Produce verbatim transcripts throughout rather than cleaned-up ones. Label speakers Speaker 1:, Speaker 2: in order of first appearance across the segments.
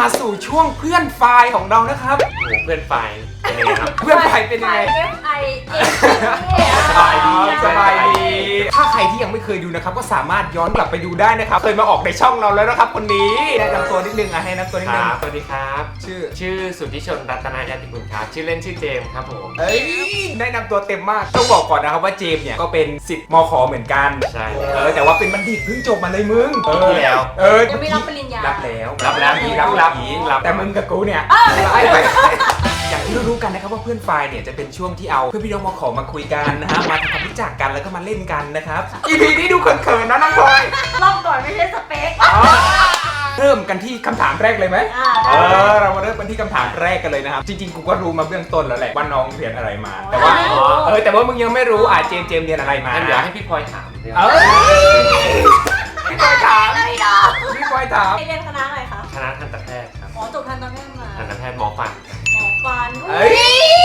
Speaker 1: สู่ช่วงเพื่อนไฟล์ของเรานะครับโอ้เพื่อนไฟล์เป็นยังไงครับเพื่อนไฟล์เป็นยังไง
Speaker 2: ไอเอ
Speaker 1: สบายดีสบายดีถ้าใครที่ยังไม่เคยดูนะครับก็สามารถย้อนกลับไปดูได้นะครับเคยมาออกในช่องเราแล้วนะครับคนนี้แนะนำตัวนิดนึงอ่ะให้แนะนำตัวนิดนึง
Speaker 3: สวัสดีครับชื่อชื่อสุทธิชนรัตนายติกุลครับชื่อเล่นชื่อเจมส์ครับผม
Speaker 1: เอ้ยแนะนำตัวเต็มมากต้องบอกก่อนนะครับว่าเจมส์เนี่ยก็เป็นศิษย์มข.เหมือนกัน
Speaker 3: ใช่
Speaker 1: เออแต่ว่าเป็นบัณฑิตเพิ่งจบมาเลยมึง
Speaker 3: เออแล้ว
Speaker 1: เออ
Speaker 2: ยังไม่รับปริญญา
Speaker 1: รับแล้ว
Speaker 3: รับแล้ว
Speaker 1: รับรับรับแต่มึงกับกูเนี่ยไอ้ไปอย่างที่รู้กันนะครับว่าเพื่อนไฟล์เนี่ยจะเป็นช่วงที่เอาเพื่อนพี่น้องมข.มาคุยกันนะฮะมาทำความรู้จักกันแล้วก็มาเล่นกันนะครับ อี พี นี้ดูเขินๆนะน้องพลอย
Speaker 2: รอบก่อนไม่ใช่สเปค
Speaker 1: เริ่มกันที่คำถามแรกเลยไหมเออเรามาเริ่มกันที่คำถามแรกกันเลยนะครับจริงๆกูก็รู้มาเบื้องต้นแล้วแหละว่าน้องเรียนอะไรมาแต่ว่าเออแต่ว่ามึงยังไม่รู้อ่ะเจมเจมเรียนอะไรมา
Speaker 3: เดี๋ยวให้พี่พลอยถาม
Speaker 1: เออพี่พลอยถามพี่พลอยถาม
Speaker 2: เรียนคณะอะไรคะ
Speaker 3: คณะทันตแพทย์ครับ
Speaker 2: อ๋อจบทันตแพทย์มา
Speaker 3: ทันตแพทย์หมอฟัน
Speaker 2: หมอฟัน
Speaker 1: เฮ้ย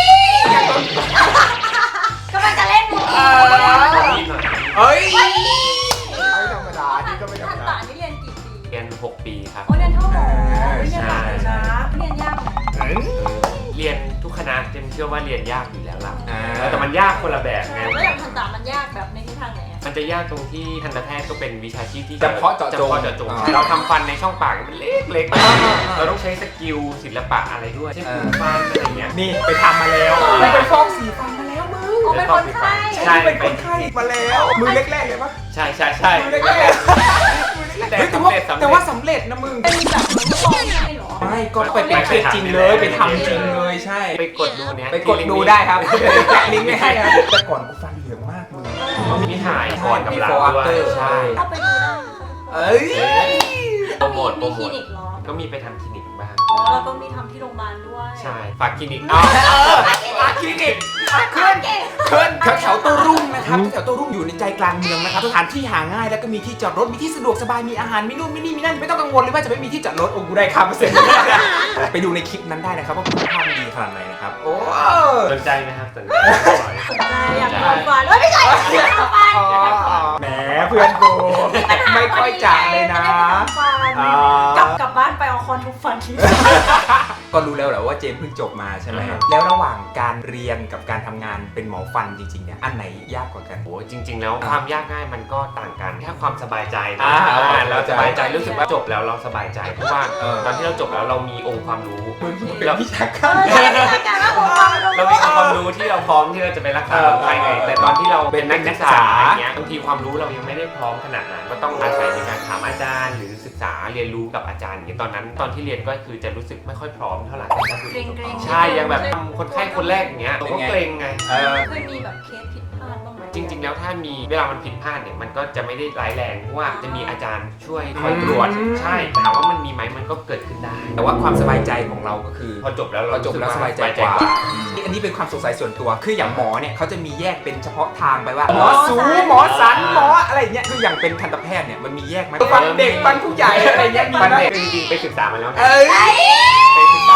Speaker 2: ก็มันจะเล่นมุก
Speaker 1: เฮ้ยไม่ธรรมดานี่ก็ไม่ธรรมดา
Speaker 2: นี่เรียนกี่ปี
Speaker 3: เรียนหกปีครับ
Speaker 2: โอ้เรียนเท่าหมอเรียนหลักเลยนะเรียนยากไหม
Speaker 3: เรียนทุกคณะเจมเชื่อว่าเรียนยากอยู่แล้วล่ะแต่มันยากคนละแบบไง
Speaker 2: แล้วอย่างทันตมันยากแบบในทิศทางไหน
Speaker 3: มันจะยากตรงที่ทันตแพทย์ก็เป็นวิชาชีพที่
Speaker 1: เฉพาะเจาะจง
Speaker 3: เราทำฟันในช่องปากมันเล็กๆเราต้องใช้สกิลศิลปะอะไรด้วยเช่นฟันอะไรเงี้ย
Speaker 1: นี่ไปทำมาแล้วไปฟอกสีฟันมาแล้วมึง
Speaker 2: อ๋อเป็นคนไข้
Speaker 1: ใช่เป็นคนไข้มาแล้วมือแรกๆเลยปะ
Speaker 3: ใช่ใช่ใช่
Speaker 1: มือแรกๆแต่สำเร็จแต่ว่าสำเร็จนะมึง
Speaker 2: เป็นแบบเหมือนกับฟอกไข้หรอ
Speaker 1: ไม่ก็ไปเป็นเคสจริงเลยไปทำจริงเลยใช่
Speaker 3: ไปกดดูเนี้ย
Speaker 1: ไปกดดูได้ครับแปะลิงก์ไม่ให้ครับแต่ก่อนกูฟันเหลืองมากมึง
Speaker 3: มีถ่ายก่อนกับหลังด้วยใช่
Speaker 2: เข้าไปดูได้
Speaker 1: เอ้ย
Speaker 3: โปรโมทโปรโมท
Speaker 2: คลินิกเหรอ
Speaker 3: ก็มีไปทำคลินิกบ้าง
Speaker 2: อ๋อแล้วก็มีทำที่โรงพยาบาลด้วย
Speaker 3: ใช่ฝากคลินิก
Speaker 1: เออฝากคลินิกขึ้นขึ้นแถวแถวโต้รุ่งนะครับแถวโต้รุ่งอยู่ในใจกลางเมืองนะครับสถานที่หาง่ายแล้วก็มีที่จอดรถมีที่สะดวกสบายมีอาหารมีนู่นมีนี่มีนั่นไม่ต้องกังวลเลยว่าจะไม่มีที่จอดรถโอ้กูได้ครับเปอร์เซ็นต์ไปดูในคลิปนั้นได้นะครับว่าคุณภาพดีขนาดไหนนะครับโอ้
Speaker 3: สนใจไหมครับสนใจ
Speaker 2: สนใจอยากทำฟันไม่ใช่อยากทำฟัน
Speaker 1: แหมเพื่อนกูไม่ค่อยจ่าเลยนะ
Speaker 2: กลับกลับบ้านไปเอาคอนทุกฟันที
Speaker 1: ก็รู้แล้วแหละว่าเจมเพิ่งจบมาใช่ไหมแล้วระหว่างการเรียนกับการทำงานเป็นหมอฟันจริงๆเนี่ยอันไหนยากกว่ากัน
Speaker 3: โอ้จริงๆแล้วความยากง่ายมันก็ต่างกันแค่ความสบายใจนะ
Speaker 1: เรา
Speaker 3: สบายใจรู้สึกว่าจบแล้วเราสบายใจเพราะว่าตอนที่เราจบแล้วเรามีองค์ความรู้
Speaker 1: เราวิชาการ
Speaker 3: เรามีองค์ความรู้ที่เราพร้อมที่เราจะไปรักษาคนไข้ไงแต่ตอนที่เราเป็นนักศึกษาอย่างเงี้ยบางทีความรู้เรายังไม่ได้พร้อมขนาดนั้นก็ต้องอาศัยในการถามอาจารย์หรือศึกษาเรียนรู้กับอาจารย์อย่างตอนนั้นตอนที่เรียนก็คือจะรู้สึกไม่ค่อยพร้อมเท่าไหร่ใช่ยังแบบคนไข้คนแรกอย่างเงี้ยก็เกรงไง
Speaker 2: เคยมีแบบเคสผิดพลาดบ้างไหม
Speaker 3: จริงๆแล้วถ้ามีเวลามันผิดพลาดเนี่ยมันก็จะไม่ได้ร้ายแรงเพราะว่าจะมีอาจารย์ช่วยคอยตรวจใช่ถามว่ามันมีไหมมันก็เกิดขึ้นได้
Speaker 1: แต่ว่าความสบายใจของเราก็คือ
Speaker 3: พอจบแล้ว
Speaker 1: เราจบแล้วสบายใจกว่าอันนี้เป็นความสงสัยส่วนตัวคืออย่างหมอเนี่ยเขาจะมีแยกเป็นเฉพาะทางไปว่าหมอสูหมอสันหมออะไรเงี้ยคืออย่างเป็นทันตแพทย์เนี่ยมันมีแยกไหมฟันเด็กฟันผู้ใหญ่อะไรเงี้ย
Speaker 3: ฟันเด็กจริงๆไปศึกษามาแล้ว
Speaker 1: เอ้ย
Speaker 3: ไปศึกษา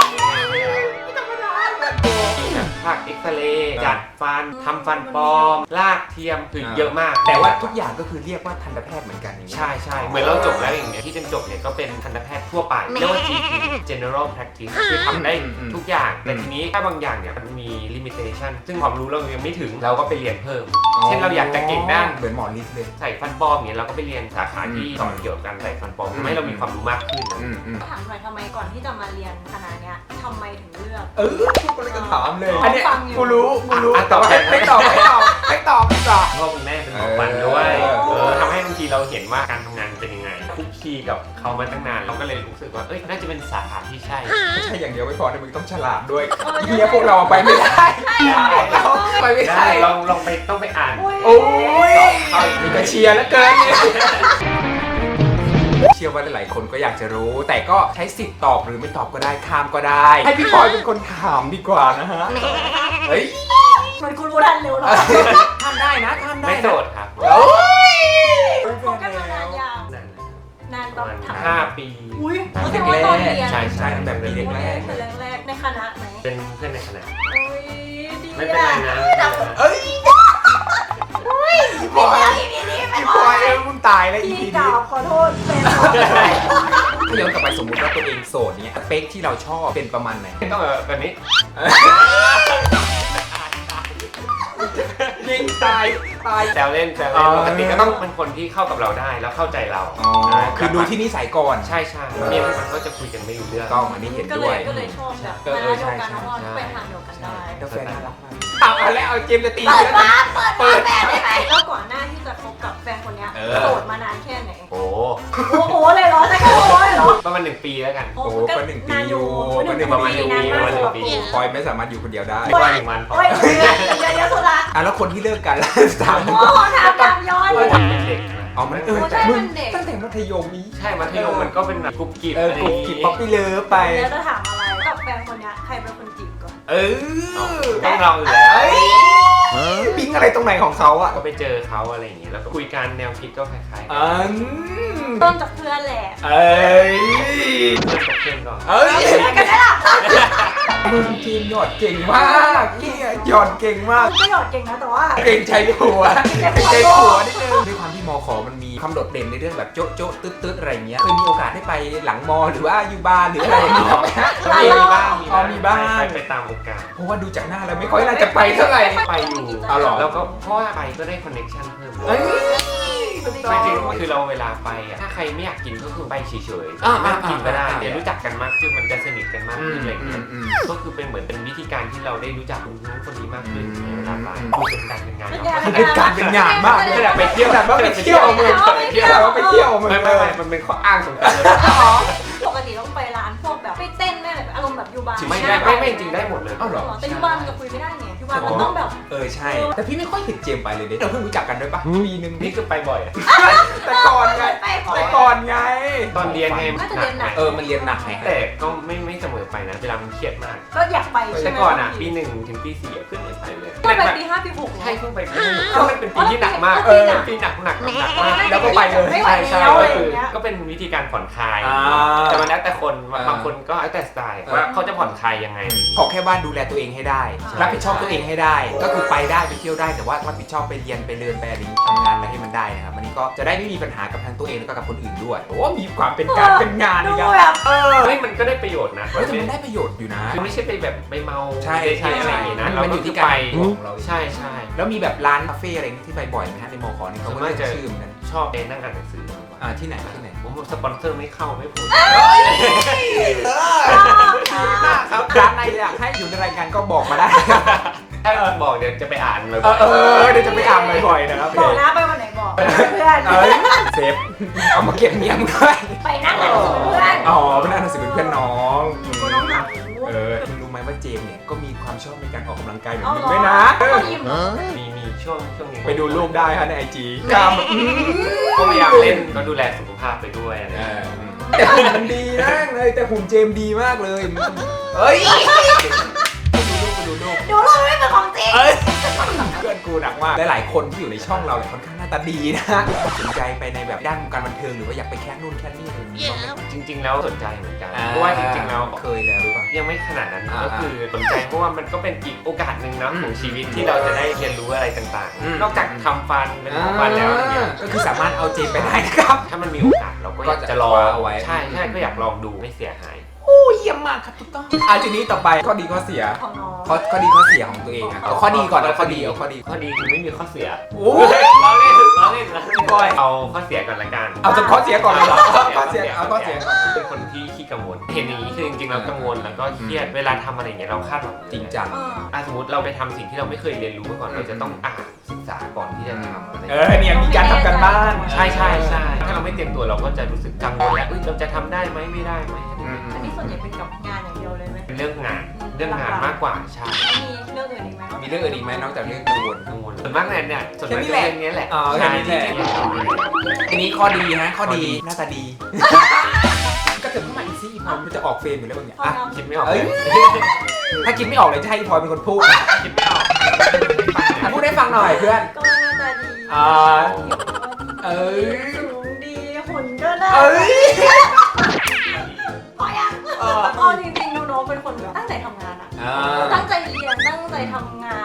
Speaker 3: ภาคเอ็กซเรย์จัดฟันทำฟันปลอมลากเทียมคือเยอะมาก
Speaker 1: แต่ว่าทุกอย่างก็คือเรียกว่าทันตแพทย์เหมือนกันอย่างนี้
Speaker 3: ใช่ใช่เหมือนเราจบแล้วอย่างเงี้ยที่เจนจบเนี่ยก็เป็นทันตแพทย์ทั่วไปเรียกว่า จี พี General Practice คือทำได้ทุกอย่างแต่ทีนี้ถ้าบางอย่างเนี่ยมันมี limitation ซึ่งความรู้เรายังไม่ถึงเราก็ไปเรียนเพิ่มเช่นเราอยากจะเก่งด้าน
Speaker 1: เหมือนหมอฤทธิ์เลย
Speaker 3: ใส่ฟันปลอมอย่างเงี้ยเราก็ไปเรียนสาขาที่สอนเกี่ยวกับการใส่ฟันปลอมทำให้เรามีความรู้มากขึ้น
Speaker 2: ถามหน่อยทำไมก่อนที่จะมาเรียนคณะเนี้ยทำไมถึงเลือก
Speaker 1: เออทุกคนก็ถามเลยอันนี้กูรู้กูรู้แต่ว่าไม่ตอบไม่ตอบไม่ตอบไม่ตอบ
Speaker 3: พ่อคุณแม่เป็นหมอฟันด้วยเออทำให้บางทีเราเห็นว่าการทำงานเป็นยังไงคุกคีกับเขามาตั้งนานเราก็เลยรู้สึกว่าเอ้ยน่าจะเป็นสาขาที่ใช่
Speaker 1: ไม่ใช่อย่างเดียวไม่พอแต่มึงต้องฉลาดด้วยเฮียพวกเราไปไม่ได้เราไปไม่ได้
Speaker 3: ลองลองไปต้องไปอ่าน
Speaker 1: โอ้ยนี่ก็เชียร์แล้วเกินเชื่อว่าหลายๆคนก็อยากจะรู้แต่ก็ใช้สิทธิ์ตอบหรือไม่ตอบก็ได้ข้ามก็ได้ให้พี่พลอยเป็นคนถามดีกว่านะฮะเฮ้ย
Speaker 2: มันคุณรู้ทันเร็วหรอ
Speaker 1: ทำได้นะทำได้
Speaker 3: ไม่โสดครับ
Speaker 1: โอ้ย
Speaker 2: คบกันมานานยาวนานประมาณ
Speaker 3: ห้าปี
Speaker 2: อุ้ยแสดงว่าตอนเรียน
Speaker 1: ใช่ใช่แบบปีแรก
Speaker 2: ๆแรกๆในคณะไหม
Speaker 3: เป็นเพื่อนในคณะ
Speaker 2: ไม่
Speaker 3: เป็นไรนะ
Speaker 1: เอ้ย
Speaker 2: พี่พลอยพี่พี่พี่
Speaker 1: พี่พลอยเออมึงตายแล้วอี
Speaker 2: พีนี้ขอโทษเป็น
Speaker 1: ย้อนกลับไปสมมติว่าตัวเองโสดเนี่ยสเปคที่เราชอบเป็นประมาณไหน
Speaker 3: ต้องแบบนี้
Speaker 1: ยิงตายตาย
Speaker 3: แซวเล่นแซว
Speaker 1: อ๋
Speaker 3: เล่น
Speaker 1: อ
Speaker 3: ปกติก็ต้องเป็นคนที่เข้ากับเราได้แล้วเข้าใจเรา
Speaker 1: อ๋อคือดูที่นิสัยก่อน
Speaker 3: ใช่ใช่เมียมันก็จะคุยกันไม่รู้เรื่อง
Speaker 1: ต้องอันนี้เห็น
Speaker 2: ก็
Speaker 1: ด้
Speaker 2: เล
Speaker 1: วย
Speaker 2: ยก็เลยชอบแบบ
Speaker 1: เออ
Speaker 2: มา
Speaker 1: เออ
Speaker 2: เดียวกัน
Speaker 1: ใช่
Speaker 2: เพราะว่า
Speaker 3: ใช่
Speaker 2: ไปทางเดียวกันได้
Speaker 1: กาแฟน่ารักมากเอาเอาแล้วเอาเจมส์จะตี
Speaker 2: เปิด
Speaker 1: แล้ว
Speaker 2: มา
Speaker 1: นะ
Speaker 2: เปิดมาแฟนได้ไหมแล้วก่อนหน้าที่จะคบกับแฟนคนเนี้ย
Speaker 1: เออ
Speaker 2: โสดมานานแค่ไหน
Speaker 3: โอ้
Speaker 2: โอ้โหเลยเหรอใช่ก็โอ้โหเลยเหรอ
Speaker 3: ประมาณหนึ่งปีแล้วกัน
Speaker 1: โอ้โหก็หนึ่งปี
Speaker 2: นาน
Speaker 1: อยู่
Speaker 2: หนึ่ง
Speaker 3: ประมาณหนึ่งปี
Speaker 2: นานมาก
Speaker 3: ประมาณหนึ่งปี
Speaker 1: พลอยไม่สามารถอยู่คนเดียวได้
Speaker 3: ไม่ว่าหนึ่งวันพอ
Speaker 2: โอ้ยเดือนเดือนเดียวสุดละ
Speaker 1: อ่ะแล้วคนที่เลิกกันล่ะถาม
Speaker 2: โอ้โหถามตามย้อน
Speaker 3: เออเป็นเด็กนะ
Speaker 1: อ๋อมันเออ
Speaker 2: โอ้ใช่
Speaker 1: มึง
Speaker 2: มันเด็ก
Speaker 1: ตั้งแต่มัธยมนี้
Speaker 3: ใช่มัธยมมันก็เป็นแบบกรุ๊ปกิ๊บ
Speaker 1: เออ
Speaker 3: อะไร
Speaker 1: กลุ่ม
Speaker 3: อย่าง
Speaker 1: กิบ
Speaker 3: งี้
Speaker 1: ป๊อปปี้เลิฟไป
Speaker 2: แล้วจะถามอะไรกับแฟนคนเนี้ยใครเป็นคนจีบก่อน
Speaker 1: เออ
Speaker 3: ต้องเราอยู่แล้ว
Speaker 1: เอ้ยปิ๊งอะไรตรงไหนของเขาอ่ะ
Speaker 3: ก็ไปเจอเขาอะไรอย่างงี้แล้วก็คุยกันแนวคิดก็คล้ายๆกัน
Speaker 1: อืม
Speaker 2: ต้นจากเพื่อนแหละ
Speaker 1: เอ้ย
Speaker 3: เริ่มจากเพื่อนก่อน
Speaker 1: เอ้ย
Speaker 2: อะไรกันได้ล่ะ
Speaker 1: มึงทีมหยอดเก่งมากเกียหยอดเก่งมาก
Speaker 2: ก็หยอดเก่งนะแต่ว่า
Speaker 1: เก่งใจผัวเก่งใจผัวนิดนึงด้วยความที่มอขอมันมีความโดดเด่นในเรื่องแบบโจ๊ะโจ๊ะตึ๊ดตึ๊ดอะไรอย่างเงี้ยเคยมีโอกาสได้ไปหลังมอหรือว่าอยู่บ้านหรืออะไรอย่างเงี้ยไหมฮะ
Speaker 3: มีมีบ้าง
Speaker 1: อ๋อมีบ้าง
Speaker 3: ไปไปตามโอกาส
Speaker 1: เพราะว่าดูจากหน้าแล้วไม่ค่อยน่าจะไปเท่าไหร่
Speaker 3: ไปอยู่
Speaker 1: เอาเหรอ
Speaker 3: แล้วก็เพราะว่าไปก็ได้คอนเนคชั่นเพิ่มเล
Speaker 1: เอ้
Speaker 3: ย
Speaker 1: ยถูกต้
Speaker 3: ไม่
Speaker 1: อง
Speaker 3: จริงคือเราเวลาไปอ่ะถ้าใครไม่อยากกินก็คือไปเฉย
Speaker 1: อ่า
Speaker 3: ๆไม่ต้องกินก็ได้
Speaker 1: อ่า
Speaker 3: เดี๋ยวรู้จักกันมากขึ้นมันจะสนิทกันมาก
Speaker 1: อื
Speaker 3: ขึ้
Speaker 1: ม
Speaker 3: นอะไรอย่าง
Speaker 1: อื
Speaker 3: เงี้
Speaker 1: ม
Speaker 3: ย
Speaker 1: อืม
Speaker 3: ก็คือเป็นเหมือนเป็นวิธีการที่เราได้รู้จักคนนู้นคนนี้มากขึ้น
Speaker 1: อืม
Speaker 3: เวลาไปคุยเป็นการเป็นงาน
Speaker 2: เป็น
Speaker 3: เนาะ
Speaker 2: ไง
Speaker 1: เป็นการเป็นงานมาก
Speaker 3: ขนาดไปเที่ยว
Speaker 1: ขนาดว่าไปเที่ยวมึง
Speaker 2: ไปเที่ยว
Speaker 1: ขนาดว่าไปเที่ยวมึง
Speaker 3: ไม่ไม่ไม่มันเป็นข้ออ้างสำคัญเลย
Speaker 2: ปกติต้องไปร้านพวกแบบไปเต้นแม่แบบอารมณ์แบบยูบาร์
Speaker 3: ไม่ได้ไม่ไม่จริงได้หมดเลย
Speaker 1: เอ้าเหรอ
Speaker 2: แต่ยูบาร์มันจะคุยไม่ได้ไงยูบาร์มันต้องแบบ
Speaker 1: เออใช่ แต่พี่ไม่ค่อยเห็นเจมส์ไปเลยเด็เราเพิ่งรู้จักกันด้วยปะปีหนึ่ง
Speaker 3: นี่คือไปบ่อยอะ
Speaker 1: แต่ก่อนไง
Speaker 2: ไปก่อน
Speaker 1: แต่ก่อนไง
Speaker 3: ตอนเรียนไง
Speaker 2: น่าจะเรียนหนัก
Speaker 1: เออมันเรียนหนักไง
Speaker 3: แต่ก็ไม่ไม่เสมอไปนะเวลามันเครียดมาก
Speaker 2: ก็อยากไปใช่
Speaker 3: แต่
Speaker 2: ไหม
Speaker 3: ก่อนอ่ะปีหนึ่งถึงปีสี่อะเพิ่งไม่ไปเลย
Speaker 2: ก็ไปปีห้าปีหก
Speaker 3: ใช่เพิ่งไปปีหนึ่งก็มันเป็นปีที่หนักมาก
Speaker 2: เออ
Speaker 3: เป็นปีหนักหนักหนักมาก
Speaker 1: แล้วก็ไปเลย
Speaker 2: ไม่ไหว
Speaker 3: ใช่
Speaker 2: แล้ว
Speaker 3: ใช่
Speaker 2: อะไร
Speaker 3: ก็
Speaker 2: อ
Speaker 3: คือย่าง
Speaker 2: เงี้ย
Speaker 3: ก็เป็นวิธีการผ่อนคลาย
Speaker 1: อ่า
Speaker 3: แต่มันแล้วแต่คนบาง
Speaker 1: อ่า
Speaker 3: บางคนก็แล้วแต่สไตล์
Speaker 1: อ่า
Speaker 3: ว่าเขาจะผ่อนคลายยังไง
Speaker 1: ขอแค่ว่าดูแลตัวเองให้ได้
Speaker 2: ใช่
Speaker 1: รับผิดชอบตัวเองให้ได้ ก็คือไปได้ไปเที่ยวได้แต่ว่ารับผิดชอบไปเรียนไปเรียนไปอะไรทำงานอะไรให้มันได้นะครับวันนี้ก็จะได้ไม่มีปัญหากับทั้งตัวเองแล้วก็กับคนอื่นด้วยโอ้มีความเป็นการเป็นงาน
Speaker 2: ดู
Speaker 1: อีก
Speaker 2: แบ
Speaker 1: อะ
Speaker 2: บ
Speaker 1: เออ
Speaker 3: เฮ้ยมันก็ได้ประโยชน์นะ
Speaker 1: เฮ้ยแต่มันได้ประโยชน์อยู่นะ
Speaker 3: คือไม่ใช่ไปแบบไปเมา
Speaker 1: ใช่
Speaker 3: ใช่อะไรอย่างงี้นะ
Speaker 1: มันอยู่ที่การ
Speaker 3: ไป
Speaker 1: ของเรา
Speaker 3: ใช่ใช่
Speaker 1: แล้วมีแบบร้านคาเฟ่อะไรที่ไปบ่อยไหมฮะในมอขอนี่เขาก็เรียกชื่อเหมือนกัน
Speaker 3: ชอบไปนั่งอ่านหนังสือ
Speaker 1: อ่าที่ไหนที่ไหน
Speaker 3: ผมสปอนเซอร์ไม่เข้าไม่พูด
Speaker 1: ครับร้านไหนอยากให้อยู่ในรายการก็บอกมาได้
Speaker 3: ถ้าบอกเดี๋ยวจะไปอ่านเลย
Speaker 1: เออเออเดี๋ยวจะไปอ่านบ่อยๆนะครับ
Speaker 2: บอกนะไปวันไหนบอกเพื่อน
Speaker 1: เอ้ยเซฟเอามาเก็บเมียมด้วย
Speaker 2: ไปนั่งกับเพื่อน
Speaker 1: อ๋อเป็นอ่านหนังสือเป็นเพื่อนน้อง
Speaker 2: กูต้องหา
Speaker 1: เออมึงรู้ไหมว่าเจมส์เนี่ยก็มีความชอบในการออกกำลังกายเหมือน
Speaker 2: เอา
Speaker 1: มึง
Speaker 2: เหรอ
Speaker 1: ด้วยนะ
Speaker 2: เขายิ้ม
Speaker 3: มีมีช่วงช่วงนี้
Speaker 1: ไปดูรูปได้ฮะในไอจีกล้ามอืม
Speaker 3: ก็พยายามเล่นก็ดูแลสุขภาพไปด้วยอะไร
Speaker 1: เอ
Speaker 3: อย่างเงี้ย
Speaker 1: อแต่หุ่นมันดีนะเลยแต่หุ่นเจมส์ดีมากเลยมันเฮ้ยไปดูรูปไปดูรูป
Speaker 2: ดูรูปไม่เป็นของจริง
Speaker 1: เอ้ยเพื่อนกูหนักมากหลายๆคนที่อยู่ในช่องเราเนี่ยค่อนข้างหน้าตาดีนะสนใจไปในแบบด้านวงการบันเทิงหรือว่าอยากไปแค่นู่นแค่นี่อะไรอย่างเงี้ย
Speaker 3: จริง ๆ แล้วสนใจเหมือนกันเพราะว่าจริงๆแล้ว
Speaker 1: เคยแล้วหรือเปล่า
Speaker 3: ยังไม่ขนาดนั้น
Speaker 1: อ่า
Speaker 3: ก็คือสนใจเพราะว่ามันก็เป็นอีกโอกาสหนึ่งเนาะ
Speaker 1: อืม
Speaker 3: ของชีวิตที่เราจะได้เรียนรู้อะไรต่าง
Speaker 1: อืม
Speaker 3: ๆ นอกจากทำฟันเป็นของฟันแล้วอย่างเงี้ย
Speaker 1: ก็คือสามารถเอาเจมไปได้นะครับ
Speaker 3: ถ้ามันมีโอกาสเราก็อยาก
Speaker 1: ก็จะ
Speaker 3: จะลอง
Speaker 1: คว้าเอาไว้
Speaker 3: ใช่ใช่ก็อยากลองดูไม่เสียหาย
Speaker 1: โอ้เยี่ยมมากครับถูกต้องอ่ะทีนี้ต่อไปข้อดีข้อเสีย
Speaker 2: ของน้อง
Speaker 1: ข้อข้อดีข้อเสียของตัวเองอ่ะเอาข้อดีก่อนเอาข้อดีเอาข้อดี
Speaker 3: ข้อดีคือไม่มีข้อเสีย
Speaker 1: โอ้
Speaker 3: เราเล่นเราเล่นเราเล่นบ่อยเอาข้อเสียก่อนละกัน
Speaker 1: เอาจะข้อเสียก่อนเลยเหรอข้อเสียเอาข้อเสียก่อน
Speaker 3: เป็นคนที่ขี้กังวลเห็นอย่างนี้คือจริงๆเรากังวลแล้วก็เครียดเวลาทำอะไรอย่างเงี้ยเราคาดหวัง
Speaker 1: จริงจัง
Speaker 2: เออ
Speaker 3: อ่ะสมมติเราไปทำสิ่งที่เราไม่เคยเรียนรู้มาก่อนเราจะต้องอ่านศึกษาก่อนที่จะทำอะไร
Speaker 1: เออเนี่ยมีการทำกันบ้าน
Speaker 3: ใช่ใช่ใช่ถ้าเราไม่เตรียมตัวเราก็จะรู้สึกกังวลแล้วเอ้ยเราจะทำได้ไหมไม่ได้ไหม
Speaker 1: อืม
Speaker 2: อันนี้ส่วนใหญ่เป็นกับงานอย่างเดียวเลยไหม
Speaker 3: เป็นเรื่องงานเรื่องงานมากกว่าใช่
Speaker 2: มีเรื่องอื่นอีกไหม
Speaker 1: มีเรื่องอื่นอีกไหมนอกจากเรื่องกังวล
Speaker 3: กังวลส่วนมากเนี่ยเนี่ยส่วนมาก
Speaker 1: แค่นี้แหละ
Speaker 3: เรื่องนี้แหละ
Speaker 1: อ๋อแค่นี้แหละ
Speaker 3: ใช่ที่
Speaker 1: ทีนี้ข้อดีฮะข้อดีหน้าตาดี ก็เติมเข้ามาอีกสิอีพลอยมันจะออกเฟรมอยู่แล้วบางอย่าง
Speaker 2: พอ
Speaker 1: อ่ะ
Speaker 2: เรา
Speaker 3: คิดไม่ออก
Speaker 1: เอ้
Speaker 3: เลย ย
Speaker 1: ถ้าคิดไม่ออกเลยจะให้อีพลอยเป็นคนพูด
Speaker 3: คิดไม่ออก
Speaker 1: อ่ะพูดให้ฟังหน่อยเพื่อน
Speaker 2: ก็หน้าตาดี
Speaker 1: อ่าเอ้ย
Speaker 2: สูงดีหุ่นก็ได้
Speaker 1: เอ้ย
Speaker 2: พอยัง
Speaker 1: เออ
Speaker 2: เอาจริงๆน้องๆเป็นคนแบบตั้งใจทำงานอะ
Speaker 1: อ่า
Speaker 2: ตั้งใจเรียนตั้งใจทำงานดูมี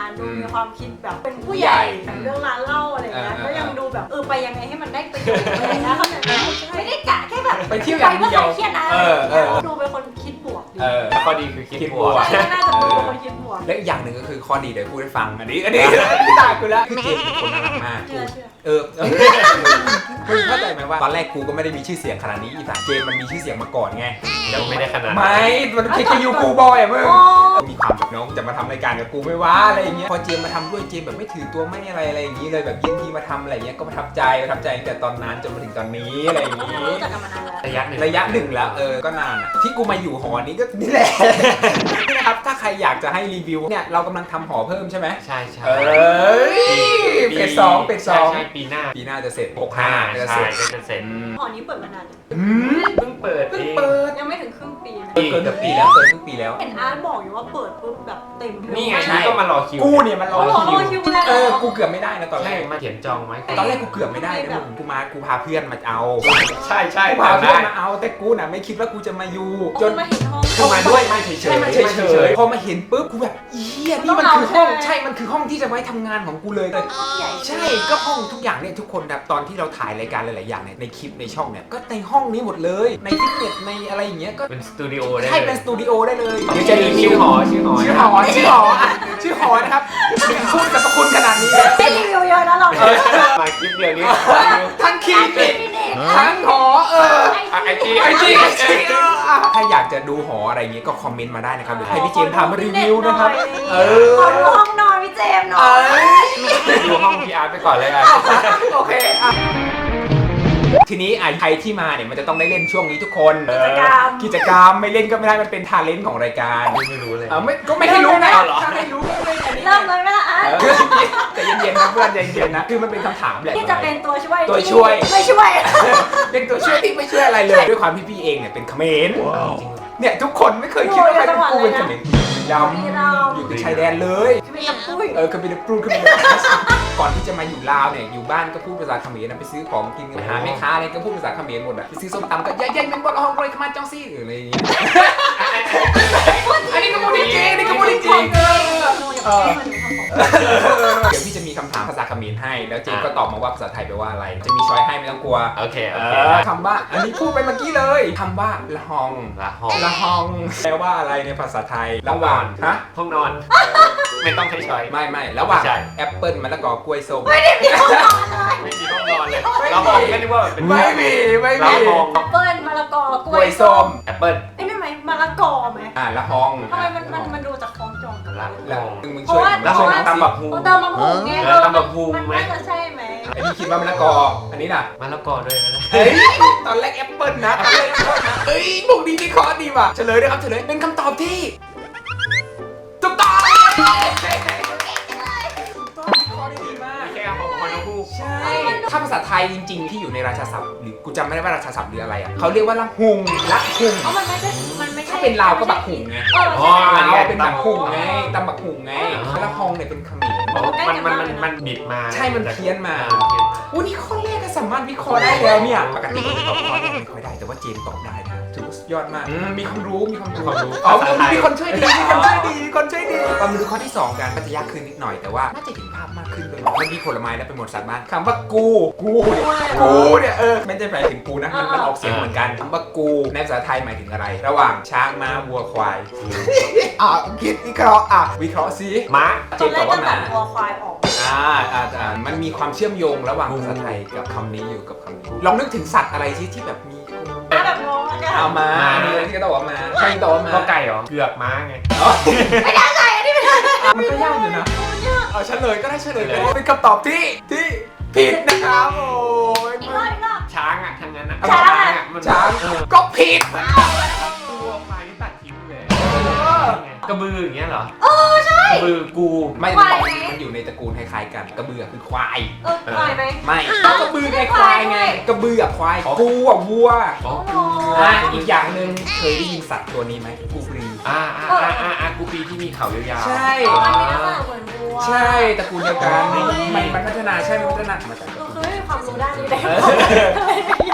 Speaker 2: ความคิดแบบเป็นผู้ใหญ่แต่เรื่องร้านเหล้าอะไรเงี้ยก็ยังดูแบบเออไปยังไงให้มันได้ประโยชน์อะไรนะเขาแบบไม่ได้กะแค่แบบ
Speaker 1: ไปเที่ยวอย่างเดียว
Speaker 2: เครียดนะ
Speaker 1: เออเออ
Speaker 2: ดูเป็นคนคิดบวกดี
Speaker 1: เออ
Speaker 3: ข้อดีคือคิดบวก
Speaker 2: ใช่น่าจะดูเป็นคนคิดบวก
Speaker 1: และอีกอย่างหนึ่งก็คือข้อดีเดี๋ยวพูดให้ฟังอันนี้อันนี้ที่ตายกูแล้วคือเจมส์เป็นคนน่ารักมาก
Speaker 2: เชื่อเชื่อ
Speaker 1: เออมึงเข้าใจไหมว่าตอนแรกกูก็ไม่ได้มีชื่อเสียงขนาดนี้อีสานเจมส์มันมีชื่อเสียงมาก่อนไง
Speaker 3: ยังไม่ได้ขนาด
Speaker 1: ไม่ มันคิดกับยูกูบอยอ่ะมึงมีความแบบน้องจะมาทำรายการกับกูไม่ว่าอะไรอย่างเงี้ยพอเจมส์มาทำด้วยเจมส์แบบไม่ถือตัวไม่อะไรอะไรอย่างงี้เลยแบบยินดีมาทำอะไรเงี้ยก็ประทับใจประทับใจตั้งแต่ตอนนั้นจนมาถึงตอนนี้อะไรอย่างงี้
Speaker 2: รู้จักกันมานานแล้ว
Speaker 3: ระยะหนึ่ง
Speaker 1: ระยะหนึ่งแล้วเออก็นานอะที่กูมาอยู่หอนี้ก็นี่แหละนี่นะครับถ้าใครอยากจะให้รีวิวเนี่ยเรากำลังทำหอเพิ่มใช่ไหม
Speaker 3: ใช่ใช่
Speaker 1: เอ้ยเป็ดสองเป็ดสอง
Speaker 3: ใช่ปีหน้า
Speaker 1: ปีหน้าจะเสร็จหก
Speaker 3: ห้า
Speaker 1: ห้าจะ
Speaker 3: ใช่
Speaker 1: เสร็จ
Speaker 3: ก็จะเสร็จ
Speaker 2: หอนี้เปิดมานานยัง
Speaker 1: อืม
Speaker 3: เพิ่งเปิด
Speaker 1: เพิ่ง
Speaker 3: เอง
Speaker 1: เปิด
Speaker 2: ยังไม่ถึงครึ่งปีนะ
Speaker 1: เกินครึ่งปีแล้วเกินครึ่งปีแล้ว
Speaker 2: เห็นอาร์ตบอกอยู่ว่าเปิดปุ๊บแบบเต็ม
Speaker 3: นี่ไง
Speaker 1: ใช่
Speaker 3: นี่ก็มารอคิว
Speaker 1: กูเนี่ยมันร
Speaker 2: อ๋
Speaker 1: อ
Speaker 2: อรอ
Speaker 1: คิว
Speaker 2: คิวแล้ว
Speaker 1: เออกูเกือบไม่ได้นะตอนแร
Speaker 3: ใช่
Speaker 1: ก
Speaker 3: มาเขียนจองไว้
Speaker 1: ตอนแรกกูเกือบไม่ได้นะมึงกูมากูพาเพื่อนมาเอา
Speaker 3: ใช่ใช่
Speaker 1: กูพา
Speaker 3: ทำ
Speaker 1: เพื่อ
Speaker 3: ได้
Speaker 1: นมาเอาแต่กูน่ะไม่คิดว่ากูจะมาอยู่จ
Speaker 2: จ
Speaker 1: น
Speaker 2: นมาเห็นห้อง
Speaker 3: คือมาด้วยไม่เฉยๆ
Speaker 1: ใช่มันเฉยๆพอมาเห็นปุ๊บกูแบบเฮียนี่มันคือห้องใช่มันคือห้องที่จะไว้ทำงานของกูเลยเลย
Speaker 2: ห้องใหญ่
Speaker 1: ใช่ก็ห้องทุกอย่างเนี่ยทุกคนแบบตอนที่เราถ่ายรายการหลายๆอย่างเนี่ยในคลิปในช่องเนี่ยก็ในห้องนี้หมดเลยในฟิตเนสในอะไรอย่างเงี้ยก็
Speaker 3: เป็นสตูดิโอได้
Speaker 1: ใช่
Speaker 3: เล
Speaker 1: เป็น
Speaker 3: ย
Speaker 1: สตูดิโอได้เลย
Speaker 3: เดี๋ยวจะมีชื่อหอชื่อหอ
Speaker 1: ชื่อหอชื่อหออ่ะชื่อหอนะครับพูดกับคุณขนาดนี้
Speaker 2: ไม่รีวิวเยอะนะเรา
Speaker 3: เออมาคลิปเดียวนี้
Speaker 1: ทั้งคลินิกทั้งหอเออ
Speaker 3: ไอจี
Speaker 1: ไอจีไอจีเอออ่ะถ้าอยากจะดูหออะไรอย่างเงี้ยก็คอมเมนต์มาได้นะครับเดี๋ยวให้พี่เจมส์พามารีวิวนะครับเออ
Speaker 2: ขอดูห้องนอนพี่เจมส์หน่
Speaker 1: เอ
Speaker 2: อย
Speaker 1: อ
Speaker 3: ดูห้องพีอาร์ไปก่อนเลยอ่ะ
Speaker 1: โอเคอ่ะทีนี้อ่ะใครที่มาเนี่ยมันจะต้องได้เล่นช่วงนี้ทุกคน
Speaker 2: กิจกรรม
Speaker 1: กิจกรรมไม่เล่นก็ไม่ได้มันเป็นทาเลนต์ของรายการ
Speaker 3: ไม่รู้เลย
Speaker 1: เออไม่ก็ไม่ให้รู้นะ
Speaker 3: เอาเหรอ
Speaker 1: ถ้าให้รู้ก็ไม่อันนี้
Speaker 2: เริ่มเลยไหมล่ะอาร์ต
Speaker 1: เออแต่เย็นๆนะเพื่อนใจเย็นๆนะคือมันเป็นคำถามแหละ
Speaker 2: ที่จะเป็นตัวช่วย
Speaker 1: ตัวช่วย
Speaker 2: ไม่ช่วย
Speaker 1: เป็นตัวช่วยที่ไม่ช่วยอะไรเลยด้วยความที่พี่เองเนี่ยเป็นเขมรเนี่ยทุกคนไม่เคยคิดว่าใครเป็นกูเป็นเขมรยำอยู่ติดชายแดนเลย
Speaker 2: คือเป็นกับปุ้ย
Speaker 1: เออคือเป็นปรูคือเป็นก่อนที่จะมาอยู่ลาวเนี่ยอยู่บ้านก็พูดภาษาเขมรนะไปซื้อของกินกับหาแม่ค้าอะไรก็พูดภาษาเขมรหมดอ่ะไปซื้อส้มตำก็ย่ายๆเป็นบอลห้องเลยขมันจ้องซี่หรืออะไรอย่างเงี้ยอันนี้ก็พูดจริงอันนี้ก็พูดจริงเออ
Speaker 2: เออ
Speaker 1: เดี๋ยวพี่จะมีคำถามภาษาเขมรให้แล้วเจมก็ตอบมาว่าภาษาไทยแปลว่าอะไรจะมีช้อยให้ไม่ต้องกลัว
Speaker 3: โอเคโอ
Speaker 1: เอ
Speaker 3: เค
Speaker 1: อคำว่าอันนี้พูดไปเมื่อกี้เลยคำว่าละหอง
Speaker 3: ละห้อง
Speaker 1: ละหองแปลว่าอะไรในภาษาไทยระหว่างฮะ
Speaker 3: ห้องนอน ไม่ต้องใช้ช้อย
Speaker 1: ไม่ไม่ระหว่าง
Speaker 3: ใช่
Speaker 1: แอปเปิลมะละกอกล้วยส้ม
Speaker 2: ไม่ได้มีห้องนอนเลย
Speaker 3: ไม่มีห้องนอนเลยเราห้องก็นึกว่าเป็น
Speaker 1: ไม่มีไม่
Speaker 3: เรา
Speaker 1: มี
Speaker 3: ห้อง
Speaker 2: แอปเปิ้ลมะละกอก
Speaker 1: ก
Speaker 2: ล้
Speaker 1: ล้ว วย ย
Speaker 2: ส้
Speaker 1: ส้
Speaker 2: ม
Speaker 1: ม
Speaker 3: แอปเปิ้ล
Speaker 2: ไอ้นี่ไหมมะละกอไหม
Speaker 1: อ่าละหอง
Speaker 2: ทำไมมันมันมันดูจากคล้องจองกัน
Speaker 3: ละ
Speaker 1: แล้ว
Speaker 3: ห้อง
Speaker 1: มึงมึง
Speaker 2: เพ
Speaker 1: ช่วย
Speaker 2: ราะว่า
Speaker 3: แล้วห้องตำบักฮู
Speaker 2: โอ้เติมมะม่วงไง
Speaker 3: เออตำบักหุ่ง
Speaker 2: มัน
Speaker 3: ไหม
Speaker 2: น่าจะใช่ไหม
Speaker 1: ไอ้นี่คิดว่ามะละกออันนี้น่ะ
Speaker 3: มะละกอด้วยนะ
Speaker 1: เฮ้ยตอนแรกแอปเปิลนะตอนแรกแอปเปิลนะเอ้ยบุกดีวิเคราะห์ดีว่ะเฉลยด้วยครับเฉลยเป็นคำตอบที่ถูกต้องถูกต้องวิเคราะห์ได้ดีมาก
Speaker 3: แค่ของคนละคู่
Speaker 1: ใช่ ถ้าภาษาไทยจริงๆ ที่อยู่ในราชาศัพท์หรือกูจำไม่ได้ว่าราชาศัพท์หรืออะไรอ่ะเขาเรียกว่าละหุงละหุง
Speaker 2: เพราะมันไม่ใช่มันไม่ใช่
Speaker 1: ถ้าเป็นลาวก็บักหุงไง
Speaker 2: เออ
Speaker 3: อ๋อ
Speaker 2: ใช่
Speaker 1: ลาวเป็นบักหุงไงตำบักหุงไงละฮองเนี่ยเป็นเขมร
Speaker 3: มันมันมันมันบิดมา
Speaker 1: ใช่มันเพี้ยนมา
Speaker 3: เออเพี้ยนมา
Speaker 1: อู้นี่ข้อแรกก็สามารถวิเคราะห์ได้แล้วเนี่ยปกติผมตอบข้อแรกไม่ค่อยได้แต่ว่าเจมส์ตอบได้นะถือว่าสุดยอดมากอืมมีความรู้มีความรู้
Speaker 3: ความรู้
Speaker 1: อ๋อ
Speaker 3: ภาษาไทย
Speaker 1: มีคนช่วยดีมีคนช่วยดีมีคนช่วยดีมาดูข้อที่สองกันก็จะยากขึ้นนิดหน่อยแต่ว่าน่าจะเห็นภาพมากขึ้นเลยมันมีผลไม้แล้วเป็นหมวดสัตว์บ้านคำว่ากูกูเนี่ยกูเนี่ยเออไม่ได้หมายถึงกูนะมันมันออกเสียงเหมือนกันคำว่ากูในภาษาไทยหมายถึงอะไร ระหว่างช้างม้าวัวควายอ่ะคิดวิเคราะห์อ่ะวิเคราะห์ซิ
Speaker 3: ม้า
Speaker 1: เจ
Speaker 2: ตอน
Speaker 1: มส์
Speaker 2: แร
Speaker 1: ตอก บ
Speaker 2: ก็
Speaker 1: ว่า
Speaker 2: ตั
Speaker 1: ม้า
Speaker 2: ดวัวควายออก
Speaker 1: อ่าอ่าอ่ามันมีความเชื่อมโยงระหว่างภาษาไทยกับคำนี้อยู่กับคำนี้ลองนึกถึงสัตว์อะไรที่ที่แบบมี
Speaker 2: อ่ะแบบงงอะกัน
Speaker 1: เอามานี่ที่ก็ตอบว่ามาใครตอบว่ามา
Speaker 3: ก็ไก่เหรอเผือกม้าไง
Speaker 2: ไม่ได้ไงอันนี้ไม่ได้
Speaker 1: มันก็ยากอยู่นะเอาเฉลยก็ได้เฉลยก็ได้เป็นคำตอบที่ที่ผิดนะครับโอ้ย
Speaker 2: อีกรอบอีกรอบ
Speaker 3: ช้างอ่ะทั้งนั้นอ่ะ
Speaker 2: ช้างอะ
Speaker 3: อ่ะมัน
Speaker 1: ช้าง
Speaker 3: เออ
Speaker 1: ก็ผิด
Speaker 3: ตัวควายนี่ตัดทิ้งเลยกระบืออย่างเงี้ยเหรอ
Speaker 2: เออใช่
Speaker 3: กระบือกู
Speaker 1: ไม่
Speaker 2: ควายไหม
Speaker 1: มันอยู่ในตระกูลคล้ายๆกันกระเบือคือควาย
Speaker 2: เออควายไหม
Speaker 1: ไม่ก็กระบือไงควายไงกระบือกับควายกูอ่ะวัว
Speaker 3: อ๋อ
Speaker 1: อ่ะอีกอย่างหนึ่งเคยได้ยินสัตว์ตัวนี้ไหมกูปรี
Speaker 3: อ่าอ่าอ่าอ่าอ่ากูปีที่มีเขายาวๆ
Speaker 1: ใช่
Speaker 2: อันนี้น่าจะเหมือนวัว
Speaker 1: ใช่ตระกูลเดียวกัน
Speaker 2: อ๋อ
Speaker 1: มันมันพัฒนาใช่มันพัฒนามาจากตระ
Speaker 2: ก็
Speaker 1: กูล
Speaker 2: คือไม่มีความรู้ด้านนี้เลย
Speaker 1: เออ
Speaker 2: ทำไมไม่คิดไม่ออก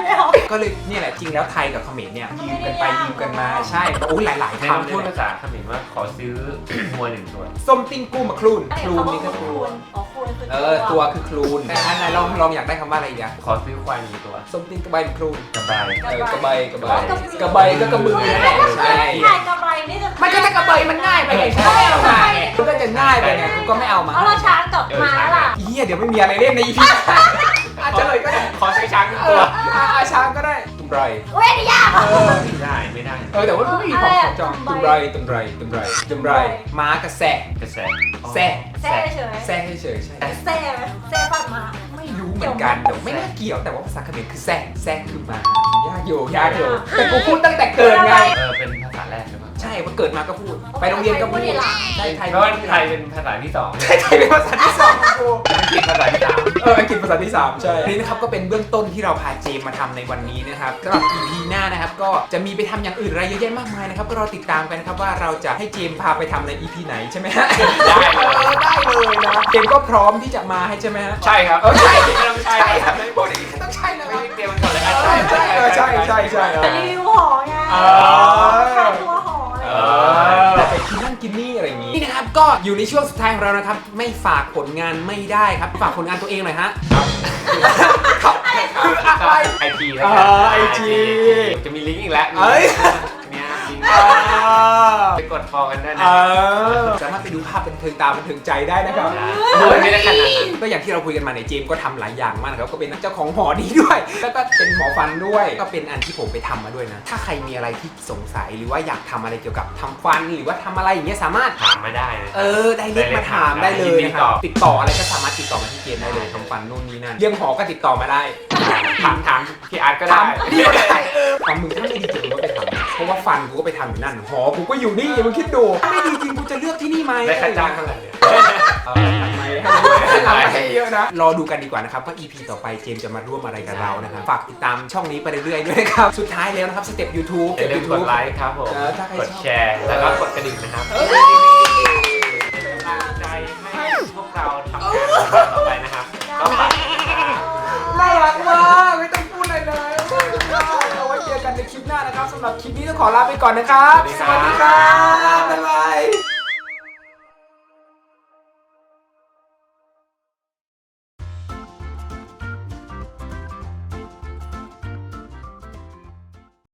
Speaker 1: ก็เลยเนี่ยแหละจริงแล้วไทยกับเขมรเนี่ยยืมกันไปยืมกันมาใช่โอ้ยหลายๆ
Speaker 3: ให้เรา
Speaker 1: คำ
Speaker 3: พูด
Speaker 1: เลย
Speaker 3: ภาษาเขมรว่าขอซื้อ วัวหนึ่งตัว
Speaker 1: ส้มติ้งกู้มาคลูนคลูนนี่ก็คือ
Speaker 2: คูณอ๋อคูณคือ
Speaker 1: เออตัวคือคลูนแต่อันไหนลองลองอยากได้คำว่าอะไรอีกอะ
Speaker 3: ขอซื้อควายหนึ่งตัว
Speaker 1: ส้มติ้งกระบายคลูน
Speaker 3: กระบาย
Speaker 1: เออกระบายกระบายกระบายก็กระบือนั่นแหละใช่
Speaker 2: ง่ายกระใบนี่จะ
Speaker 1: มันก็จะกระบายมันง่ายไปไงใช่เอามาไงมันก็จะง่ายไปไงกูก็ไม่เอามา
Speaker 2: เอาเราช้างกับม้าล่ะ
Speaker 1: เฮียเดี๋ยวไม่มีอะไรเล่นในอีพีอาจจะเลยก็ได้
Speaker 3: ขอซื้อช้างหนึ่ง
Speaker 1: เอ
Speaker 3: ตัว
Speaker 1: ออาช้างก็ได้ตุมไร
Speaker 2: เว้ยนี่ยาก
Speaker 1: เออ
Speaker 3: ไม่ได้ไม่ได้
Speaker 1: เออแต่ว่ามันไม่มีความของจองตุมไรตุมไรตุมไรตุมไรม้ากระแส
Speaker 3: กระแส
Speaker 1: แซ่
Speaker 2: แซ่เฉย
Speaker 1: แซ่เฉยๆใช่
Speaker 2: แซ่ไหมแซ่ฟันมา
Speaker 1: ไม่รู้เหมือนกันแต่ไม่น่าเกี่ยวแต่ว่าภาษาเขมรคือแซ่แซ่คือม้ายากอยู่ยากอยู่แต่กูพูดตั้งแต่เกิดไง
Speaker 3: เออเป็นภาษาแรกหรือเปล่า
Speaker 1: ใช่ว่าเกิดมาก็พูดไปโรงเรียนก็พูดใช่ไทย
Speaker 3: เพราะว่าไทยเป็นภาษาที่สอง
Speaker 1: ไทยไทยเป็นภาษาที่สองของกู
Speaker 3: อังกฤษภาษาที่สาม
Speaker 1: เอออังกฤษภาษาที่สามใช่นี่นะครับก็เป็นเบื้องต้นที่เราพาเจมมาทำในวันนี้นะครับสำหรับ อี พี หน้านะครับก็จะมีไปทำอย่างอื่นอะไรเยอะแยะมากมายนะครับก็รอติดตามกันนะครับว่าเราจะให้เจมพาไปทำใน อี พี ไหนใช่ไหมฮะ
Speaker 3: ได้เลย
Speaker 1: ออได้เลยนะเจมก็พร้อมที่จะมาให้ใช่ไหมฮะ
Speaker 3: ใช่ครับ
Speaker 1: เออใช่
Speaker 3: ไม่ต้องใช่
Speaker 1: ใช่
Speaker 3: ค
Speaker 1: ค
Speaker 3: รั
Speaker 1: รั
Speaker 3: บบ
Speaker 1: พูดอย่างนี้ต้องใช่แล้วค
Speaker 3: ไม่
Speaker 1: รับ
Speaker 3: ได้เตรียมมันก่อนเลยอ่ะ
Speaker 1: เออใช่เออใช่ใช่ใช่เออ
Speaker 2: รีวิวหอไง
Speaker 1: เออ
Speaker 2: ขายตัวหออะไร
Speaker 3: เอ
Speaker 1: แต่ไปกินนั่นกินนี่อะไรอย่างนี้นี่นะครับก็อยู่ในช่วงสุดท้ายของเรานะครับไม่ฝากผลงานไม่ได้ครับฝากผลงานตัวเองหน่อยฮะครับคืออะไร
Speaker 3: ไอจี
Speaker 1: อ่า ไอ จี
Speaker 3: จะมีลิงก์อีกแล้ว
Speaker 1: เอ้ย
Speaker 3: เนี่ยลิงก์
Speaker 1: อ่า
Speaker 3: ไปกดฟอลกันได้
Speaker 1: เอ
Speaker 3: นะ
Speaker 1: อสามารถไปดูภาพบันเทิงตาบันเทิงใจได้นะครับ
Speaker 3: โดยไม่ได้ขนาดนั้น
Speaker 1: ก็อย่างที่เราคุยกันมาในยเจมส์ก็ทำหลายอย่างมากนะครับก็เป็นนักเจ้าของหอนี้ด้วย แล้วก็เป็นหมอฟันด้วย ก็เป็นอันที่ผมไปทำมาด้วยนะ ถ้าใครมีอะไรที่สงสัยหรือว่าอยากทำอะไรเกี่ยวกับทำฟันหรือว่าทำอะไรอย่างเงี้ยสามารถ
Speaker 3: ถามมาได้นะ
Speaker 1: เออได้เล็กมาถามได้เลยนะครับติดต่ออะไรก็สามารถติดต่อมาที่เจมส์ได้เลยทำฟันนู่นนี่นั่นเรื่องหอก็ติดต่อมาได้
Speaker 3: ถามถามพี่อาร์ตก็ได้
Speaker 1: ทำนี่ก็ได้เออทำมึงถ้าไม่ดีจริงมึงก็ไปทำนะเพราะว่าฟันกูก็ไปทำอยู่นั่นหอกูก็อยู่นี่มึงคิดดูถ้าไม่ดีจริงกูจะเลือกที่นี่ไหม
Speaker 3: ได้ค่าจ้างเท่าไหร่เนี่ย
Speaker 1: เออทำไมให้ทำไมให้เยอะนะรอดูกันดีกว่านะครับว่า อี พี ต่อไปเจมส์จะมาร่วมอะไรกับเรานะครับฝากติดตามช่องนี้ไปเรื่อยๆด้วยนะครับสุดท้ายแล้วนะครับสเต็ป ยูทูบ
Speaker 3: อย่าลืมกดไลค์ครับผม
Speaker 1: เออถ้าใครชอบ
Speaker 3: กดแชร์ แล้วก็กดกระดิ่งนะครับ
Speaker 1: เอ้ย
Speaker 3: เป็นกำลังใจให้พวกเราทำงานต่อไปนะครับก็ฝาก
Speaker 1: น่ารักมากไม่ต้องพูดอะไรเลยเอาไว้เจอกันในคลิปหน้านะครับสำหรับคลิปนี้ต้องขอลาไปก่อนนะครับ
Speaker 3: สวัสดีครับ
Speaker 1: สวัสดีครับบ๊ายบาย